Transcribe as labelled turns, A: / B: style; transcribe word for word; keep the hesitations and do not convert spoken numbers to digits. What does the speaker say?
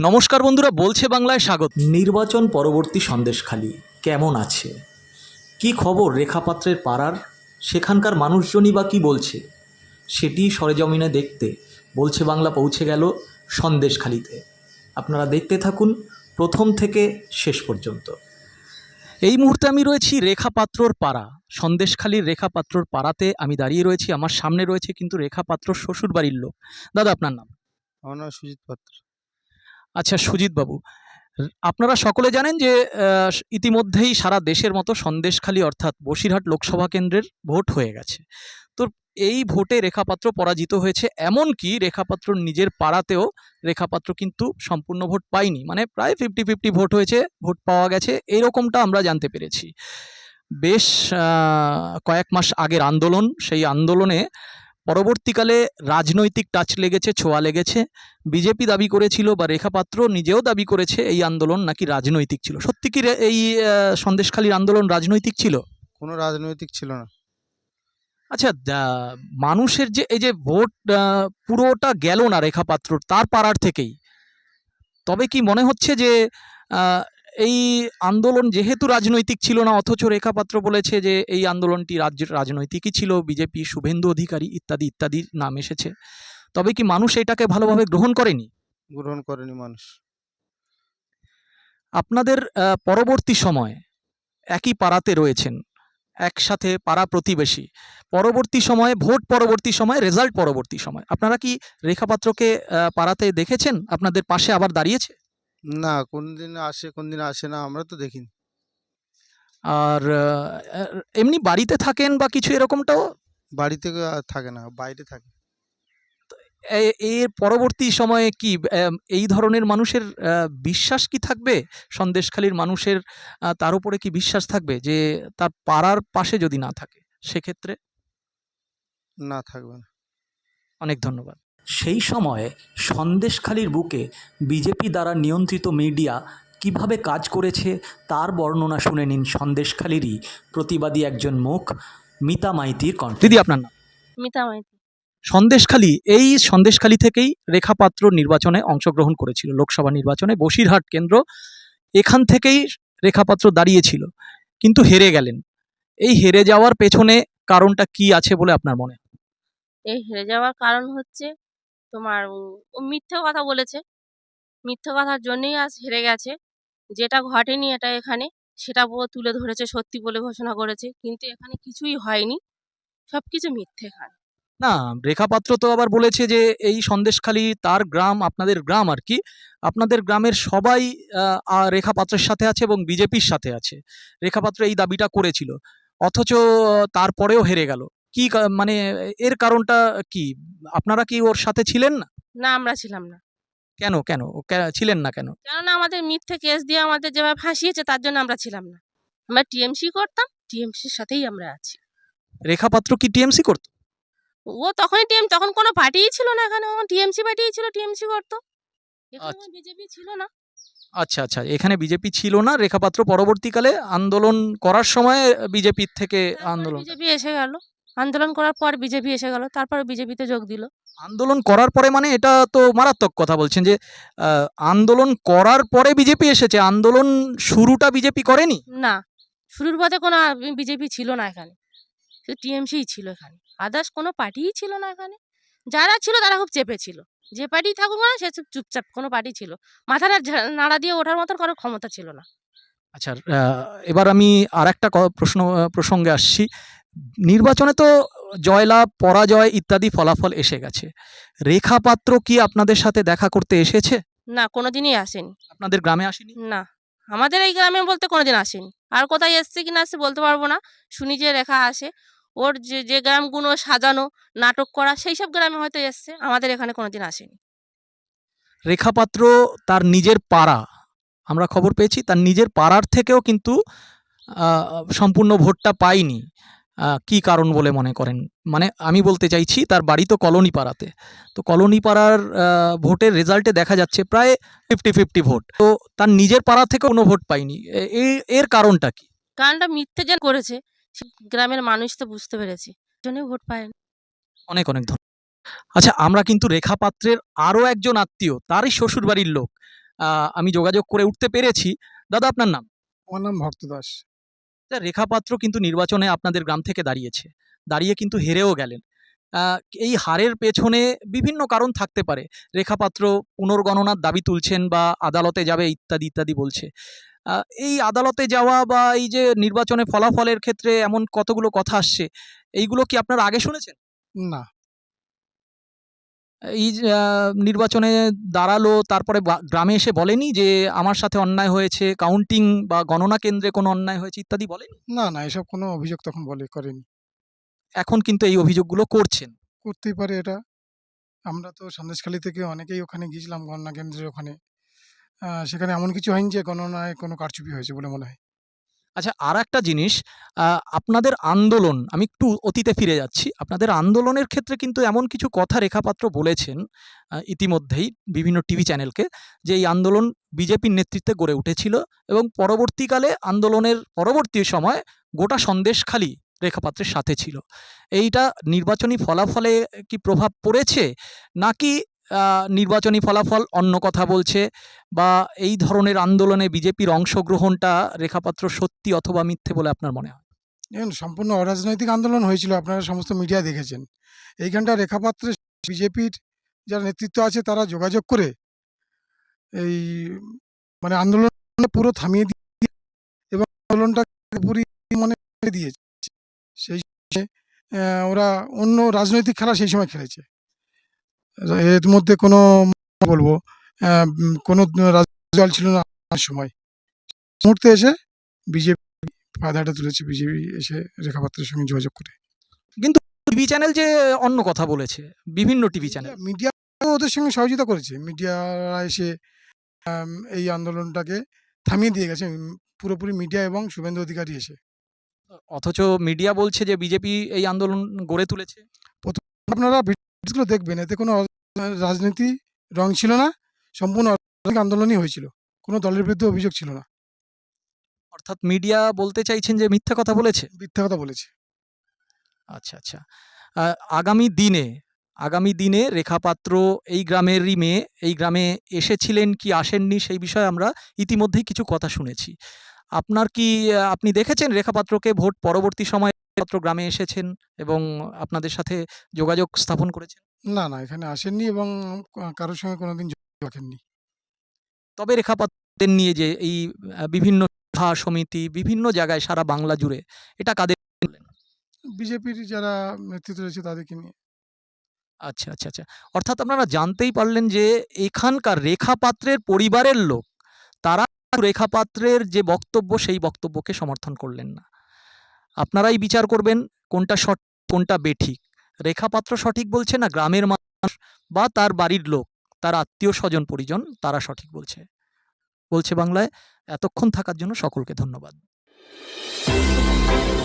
A: নমস্কার বন্ধুরা, বলছে বাংলায় স্বাগত। নির্বাচন পরবর্তী সন্দেশখালি কেমন আছে, কি খবর রেখাপাত্রের পাড়ার, সেখানকার মানুষজনই বা কী বলছে, সেটি সরেজমিনে দেখতে বলছে বাংলা পৌঁছে গেল সন্দেশখালিতে। আপনারা দেখতে থাকুন প্রথম থেকে শেষ পর্যন্ত। এই মুহূর্তে আমি রয়েছি রেখাপাত্রর পাড়া, সন্দেশখালির রেখাপাত্রর পাড়াতে আমি দাঁড়িয়ে রয়েছি। আমার সামনে রয়েছে কিন্তু রেখাপাত্রর শ্বশুর বাড়ির লোক। দাদা, আপনার নাম?
B: আমার নাম সুজিত পাত্র।
A: আচ্ছা সুজিত বাবু, আপনারা সকলে জানেন যে আহ, ইতিমধ্যেই সারা দেশের মতো সন্দেশখালি অর্থাৎ বসিরহাট লোকসভা কেন্দ্রের ভোট হয়ে গেছে। তো এই ভোটে রেখাপাত্র পরাজিত হয়েছে, এমনকি রেখাপাত্র নিজের পাড়াতেও রেখাপাত্র কিন্তু সম্পূর্ণ ভোট পায়নি, মানে প্রায় ফিফটি ফিফটি ভোট হয়েছে, ভোট পাওয়া গেছে এরকমটা আমরা জানতে পেরেছি। বেশ আহ, কয়েক মাস আগের আন্দোলন, সেই আন্দোলনে পরবর্তীকালে রাজনৈতিক টাচ লেগেছে, ছোঁয়া লেগেছে। বিজেপি দাবি করেছিল বা রেখাপাত্র নিজেও দাবি করেছে এই আন্দোলন নাকি রাজনৈতিক ছিল। সত্যি কি রে- এই আহ, সন্দেশখালির আন্দোলন রাজনৈতিক ছিল?
B: কোনো রাজনৈতিক ছিল না।
A: আচ্ছা, আহ, মানুষের যে এই যে ভোট আহ, পুরোটা গেল না রেখাপাত্র তার পাড়ার থেকেই, তবে কি মনে হচ্ছে যে আহ, এই আন্দোলন যেহেতু রাজনৈতিক ছিল না, অথচ রেখাপাত্র বলেছে যে এই আন্দোলনটি রাজ্য রাজনৈতিকই ছিল, বিজেপি শুভেন্দু অধিকারী ইত্যাদি ইত্যাদি নাম এসেছে, তবে কি মানুষ এটাকে ভালোভাবে গ্রহণ করেনি?
B: গ্রহণ করেনি মানুষ।
A: আপনাদের আহ, পরবর্তী সময়ে একই পাড়াতে রয়েছেন, একসাথে পাড়া প্রতিবেশী, পরবর্তী সময়ে ভোট পরবর্তী সময়ে রেজাল্ট পরবর্তী সময় আপনারা কি রেখাপাত্রকে আহ, পাড়াতে দেখেছেন, আপনাদের পাশে আবার দাঁড়িয়েছে?
B: না, কোন দিন আসে কোন দিন আসে না আমরা তো দেখিনি।
A: আর আহ, এমনি বাড়িতে থাকেন বা কিছু এরকমটাও?
B: বাড়িতে আহ, থাকে না, বাইরে থাকে।
A: এ- এর পরবর্তী সময়ে কি আম, এই ধরনের মানুষের আহ, বিশ্বাস কি থাকবে সন্দেশখালীর মানুষের, আহ, তার উপরে কি বিশ্বাস থাকবে যে তার পাড়ার পাশে যদি না থাকে সেক্ষেত্রে?
B: না, থাকবে না।
A: অনেক ধন্যবাদ। সেই সময়ে সন্দেশখালির বুকে বিজেপি দ্বারা নিয়ন্ত্রিত মিডিয়া কিভাবে কাজ করেছে তার বর্ণনা শুনে নিন সন্দেশখালিরই প্রতিবাদী একজন মুখ, মিতা মাইতির কণ্ঠে। দিদি, আপনার নাম?
C: মিতা মাইতি।
A: সন্দেশখালি, এই সন্দেশখালি থেকেই রেখাপাত্র নির্বাচনে অংশগ্রহণ করেছিল, লোকসভা নির্বাচনে বসিরহাট কেন্দ্র, এখান থেকেই রেখাপাত্র দাঁড়িয়েছিল, কিন্তু হেরে গেলেন। এই হেরে যাওয়ার পেছনে কারণটা কি আছে বলে আপনার মনে হয়?
C: এই হেরে যাওয়ার কারণ হচ্ছে তোমার উম, ও মিথ্যে কথা বলেছে। মিথ্যে কথার জন্যই আজ হেরে গেছে। যেটা ঘটেনি এটা এখানে, সেটা ও তুলে ধরেছে, সত্যি বলে ঘোষণা করেছে, কিন্তু এখানে কিছুই হয়নি, সবকিছু মিথ্যে এখানে।
A: না, রেখাপাত্র তো আবার বলেছে যে এই সন্দেশখালি তার গ্রাম, আপনাদের গ্রাম আর কি, আপনাদের গ্রামের সবাই আহ, আহ, রেখাপাত্রের সাথে আছে এবং বিজেপির সাথে আছে। রেখাপাত্র এই দাবিটা করেছিল, অথচ আহ, তারপরেও হেরে গেল। কি কা- মানে এর কারণটা কি? আপনারা কি ওর সাথে ছিলেন না?
C: না, আমরা ছিলাম না।
A: কেন কেন ও কে- ছিলেন না কেন?
C: কেননা আমাদের মিথ্যে কেস দিয়ে আমাদের যেভাবে ফাঁসিয়েছে, তার জন্য আমরা ছিলাম না। আমরা টিএমসি করতাম, টিএমসির সাথেই আমরা আছি।
A: রেখাপাত্র কি টিএমসি করতো?
C: ও তখনই টিএম, তখন কোনো পার্টিই ছিল না এখানে, ও টিএমসি পার্টিই ছিল, টিএমসি করতো। এখানে
A: আচ্ছা
C: বিজেপি ছিল না।
A: আচ্ছা আচ্ছা, এখানে বিজেপি ছিল না, রেখাপাত্র পরবর্তীকালে আন্দোলন করার সময় বিজেপির থেকে
C: তারপরে
A: আন্দোলন,
C: বিজেপি এসে গেল। আন্দোলন করার পর বিজেপি এসে গেল, তারপরে বিজেপিতে যোগ দিল।
A: আন্দোলন করার পরে, মানে এটা তো মারাত্মক কথা বলছেন যে আহ, আন্দোলন করার পরে বিজেপি এসেছে, আন্দোলন শুরুটা বিজেপি করেনি?
C: না, শুরুর পথে কোনো বিজেপি ছিল না এখানে, শুধু টিএমসিই ছিল এখানে, আদার্স কোনো পার্টিই ছিল না এখানে। যারা ছিল তারা খুব চেপে ছিল, যে পার্টি থাকুক না সে চুপ- চুপচাপ, কোনো পার্টি ছিল, মাথাটা ঝা- নাড়া দিয়ে ওঠার মতন কারো ক্ষমতা ছিল না।
A: আচ্ছা, আহ, এবার আমি আর একটা ক- প্রশ্ন আহ, প্রসঙ্গে আসছি। নির্বাচনে তো জয়লাভ পরাজয় ইত্যাদি ফলাফল এসে গেছে, রেখাপাত্র কি আপনাদের সাথে দেখা করতে এসেছে?
C: না, কোনোদিনই আসেনি।
A: আপনাদের গ্রামে আসেনি?
C: না, আমাদের এই গ্রামে বলতে কোনোদিন আসেনি। আর কোথায় এসছে কি না আসছে বলতে পারবো না। শুনি যে রেখা আসে, ওর যে যে গ্রামগুলো সাজানো, নাটক করা, সেই সব গ্রামে হয়তো এসছে, আমাদের এখানে কোনোদিন আসেনি।
A: রেখাপাত্র তার নিজের পাড়া, আমরা খবর পেয়েছি তার নিজের পাড়ার থেকেও কিন্তু আহ, সম্পূর্ণ ভোটটা পায়নি। আহ, কি কারণ বলে মনে করেন? মানে আমি বলতে চাইছি তার বাড়ি তো কলোনি পাড়াতে, তো কলোনি পাড়ার আহ, ভোটের রেজাল্টে দেখা যাচ্ছে প্রায় ফিফটি ফিফটি ভোট, তো তার নিজের পাড়া থেকে কোনো ভোট পায়নি। এ- এ- এর কারণটা কি?
C: কারণটা মিথ্যে যে করেছে, সে গ্রামের মানুষ তো বুঝতে পেরেছে, জন্যই ভোট পায়নি।
A: অনেক অনেক ধন্যবাদ। আচ্ছা, আমরা কিন্তু রেখাপাত্রের আরও একজন আত্মীয়, তারই শ্বশুরবাড়ির লোক, আহ, আমি যোগাযোগ করে উঠতে পেরেছি। দাদা, আপনার নাম?
B: আমার নাম ভক্ত দাস।
A: তা রেখা পাত্র কিন্তু নির্বাচনে আপনাদের গ্রাম থেকে দাঁড়িয়েছে, দাঁড়িয়ে কিন্তু হেরেও গেলেন। আহ, এই হারের পেছনে বিভিন্ন কারণ থাকতে পারে। রেখা পাত্র পুনর্গণনার দাবি তুলছেন বা আদালতে যাবে ইত্যাদি ইত্যাদি বলছে। আহ, এই আদালতে যাওয়া বা এই যে নির্বাচনে ফলাফলের ক্ষেত্রে এমন কতগুলো কথা আসছে, এইগুলো কি আপনারা আগে শুনেছেন?
B: না,
A: এই যে, আহ, নির্বাচনে দাঁড়ালো, তারপরে বা- গ্রামে এসে বলেনি যে আমার সাথে অন্যায় হয়েছে, কাউন্টিং বা গণনা কেন্দ্রে কোনো অন্যায় হয়েছে ইত্যাদি বলেনি?
B: না, না, এসব কোনো অভিযোগ তখন বলে করেনি।
A: এখন কিন্তু এই অভিযোগগুলো করছেন।
B: করতেই পারে এটা। আমরা তো সন্দেশখালী থেকে অনেকেই ওখানে গিয়েছিলাম গণনা কেন্দ্রের ওখানে। আ সেখানে এমন কিছু হয়নি যে গণনায় কোনো কারচুপি হয়েছে বলে মনে হয়।
A: আচ্ছা, আর একটা জিনিস, আহ, আপনাদের আন্দোলন, আমি একটু অতীতে ফিরে যাচ্ছি, আপনাদের আন্দোলনের ক্ষেত্রে কিন্তু এমন কিছু কথা রেখাপাত্র বলেছেন আহ, ইতিমধ্যেই বিভিন্ন টিভি চ্যানেলকে, যে এই আন্দোলন বিজেপির নেতৃত্বে গড়ে উঠেছিল এবং পরবর্তীকালে আন্দোলনের পরবর্তী সময় গোটা সন্দেশখালি রেখাপাত্রের সাথে ছিল। এইটা নির্বাচনী ফলাফলে কি প্রভাব পড়েছে, নাকি আহ, নির্বাচনী ফলাফল অন্য কথা বলছে, বা এই ধরনের আন্দোলনে বিজেপির অংশগ্রহণটা রেখাপাত্র সত্যি অথবা মিথ্যে বলে আপনার মনে হয়?
B: দেখুন, সম্পূর্ণ অরাজনৈতিক আন্দোলন হয়েছিল, আপনারা সমস্ত মিডিয়ায় দেখেছেন। এইখানটা রেখাপাত্রে বিজেপির যারা নেতৃত্ব আছে তারা যোগাযোগ করে এই মানে আন্দোলন পুরো থামিয়ে দিয়ে এবং আন্দোলনটা পুরোপুরি মানে ছেড়ে দিয়েছে। সেই সময়ে অ্যা ওরা অন্য রাজনৈতিক খেলা সেই সময় খেলেছে। এর মধ্যে কোনো বলবো অ্যা উম কোনো রাজনৈতিক দল ছিল না আর সময়। মুহূর্তে এসে বিজেপি পায়দাটা তুলেছে, বিজেপি এসে রেখাপাত্রের সঙ্গে যোগাযোগ করে।
A: কিন্তু টিভি চ্যানেল যে অন্য কথা বলেছে, বিভিন্ন টিভি
B: মিডিয়া
A: চ্যানেল।
B: মিডিয়া ওদের সঙ্গে সহযোগিতা করেছে। মিডিয়ারা এসে আম এই আন্দোলনটাকে থামিয়ে দিয়ে গেছে। উম পুরোপুরি মিডিয়া এবং শুভেন্দু অধিকারী এসে।
A: অথচ মিডিয়া বলছে যে বিজেপি এই আন্দোলন গড়ে তুলেছে।
B: প্রথম আপনারা ভিডিওগুলো দেখবেন, এতে কোনো অ রাজনীতি রং ছিল না। সম্পূর্ণ অরাজনৈতিক আন্দোলনই হয়েছিল। কোনো দলের বিরুদ্ধে অভিযোগ ছিল না।
A: অর্থাৎ মিডিয়া বলতে চাইছেন যে মিথ্যা কথা বলেছে।
B: মিথ্যা কথা বলেছে।
A: আচ্ছা, আচ্ছা। আ আগামী দিনে আগামী দিনে রেখাপাত্র এই গ্রামেরই মেয়ে, এই গ্রামে এসেছিলেন কি আসেননি সেই বিষয়ে আমরা ইতিমধ্যেই কিছু কথা শুনেছি। আপনার কি আ আপনি দেখেছেন রেখাপাত্রকে ভোট পরবর্তী সময়ে রেখাপাত্র গ্রামে এসেছেন এবং আপনাদের সাথে যোগাযোগ স্থাপন করেছেন?
B: না, না, এখানে আসেননি এবং আ কারো সঙ্গে কোনোদিন যোগাযোগ রাখেননি।
A: তবে রেখাপাত্রদের নিয়ে যে এই আ বিভিন্ন সভা সমিতি বিভিন্ন জায়গায় সারা বাংলা জুড়ে, এটা কাদের বললেন?
B: বিজেপির যারা নেতৃত্ব রয়েছে তাদেরকে নিয়ে।
A: আচ্ছা, আচ্ছা, আচ্ছা। অর্থাৎ আপনারা জানতেই পারলেন যে এখানকার রেখাপাত্রের পরিবারের লোক, তারা রেখাপাত্রের যে বক্তব্য সেই বক্তব্যকে সমর্থন করলেন না। আপনারাই বিচার করবেন কোনটা সঠিক কোনটা বেঠিক। রেখাপাত্র সঠিক বলছে না গ্রামের মানুষ বা তার বাড়ির লোক, তার আত্মীয় স্বজন পরিজন তারা সঠিক বলছে। বলছে বাংলায়। এতক্ষণ থাকার জন্য সকলকে ধন্যবাদ।